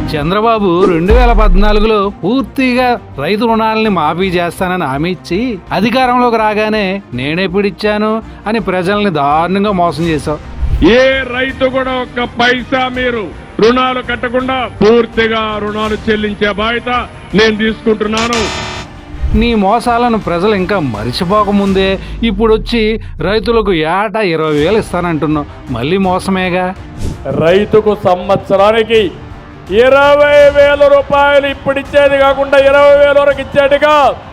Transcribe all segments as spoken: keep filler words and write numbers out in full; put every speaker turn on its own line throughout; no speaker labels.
చంద్రబాబు రెండు వేల పద్నాలుగులో పూర్తిగా రైతు రుణాలని మాఫీ చేస్తానని హామీ ఇచ్చి అధికారంలోకి రాగానే నేనెప్పుడిచ్చాను అని ప్రజల్ని దారుణంగా మోసం చేశావు.
ఏ రైతు కూడా ఒక్క పైసా మీరు రుణాలు కట్టకుండా పూర్తిగా రుణాలు చెల్లించే బాధ్యత నేను తీసుకుంటున్నాను.
నీ మోసాలను ప్రజలు ఇంకా మరిచిపోకముందే ఇప్పుడు వచ్చి రైతులకు ఏటా ఇరవై వేలు ఇస్తానంటున్నావు. మళ్ళీ మోసమేగా.
రైతుకు సంవత్సరానికి ఇరవై వేల రూపాయలు ఇప్పుడు ఇచ్చేది కాకుండా ఇరవై వేల వరకు ఇచ్చేట్టుగా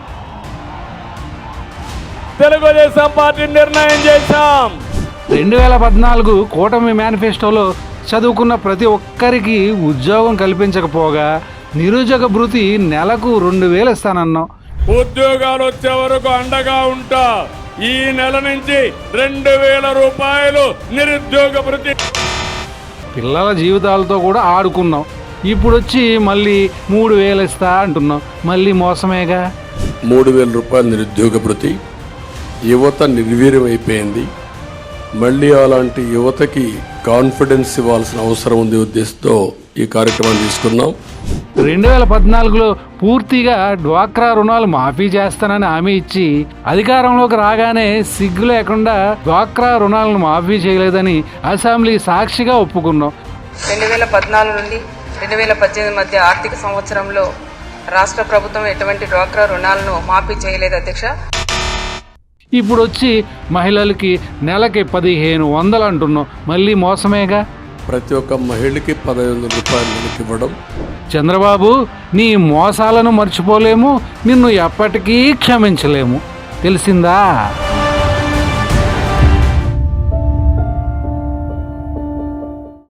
తెలుగుదేశం పార్టీ నిర్ణయం చేశాం.
రెండు వేల పద్నాలుగు కూటమి మేనిఫెస్టోలో చదువుకున్న ప్రతి ఒక్కరికి ఉద్యోగం కల్పించకపోగా నిరుద్యోగ భృతి నెలకు రెండు వేలు ఇస్తానన్నావు.
ఉద్యోగాలు వచ్చే వరకు అండగా ఉంటా. ఈ నెల నుంచి రెండు వేల రూపాయలు నిరుద్యోగ భృతి.
పిల్లల జీవితాలతో కూడా ఆడుకున్నావు. ఇప్పుడు వచ్చి మళ్ళీ మూడు వేలు ఇస్తా అంటున్నావు. మళ్ళీ మోసమేగా.
మూడు వేల రూపాయల నిరుద్యోగ భృతి యువత నిర్వీర్యం అయిపోయింది. మళ్ళీ అలాంటి యువతకి కాన్ఫిడెన్స్ ఇవ్వాల్సిన అవసరం ఉంది ఉద్దేశంతో ఈ కార్యక్రమాన్ని తీసుకున్నాం.
రెండు వేల పద్నాలుగులో పూర్తిగా డ్వాక్రా రుణాలు మాఫీ చేస్తానని హామీ ఇచ్చి అధికారంలోకి రాగానే సిగ్గు లేకుండా డ్వాక్రా రుణాలను మాఫీ చేయలేదని అసెంబ్లీ సాక్షిగా ఒప్పుకున్నాం.
రెండు వేల పద్నాలుగు నుండి రెండు వేల పద్దెనిమిది మధ్య ఆర్థిక సంవత్సరంలో రాష్ట్ర ప్రభుత్వం ఎటువంటి డ్వాక్రా రుణాలను మాఫీ చేయలేదు అధ్యక్ష.
ఇప్పుడు వచ్చి మహిళలకి నెలకి పదిహేను వందలు అంటున్నాం. మళ్ళీ మోసమేగా.
ప్రతి ఒక్క మహిళకి పదహైదు వందల రూపాయలు నెలకి ఇవ్వడం.
చంద్రబాబు, నీ మోసాలను మర్చిపోలేము, నిన్ను ఎప్పటికీ క్షమించలేము. తెలిసిందా?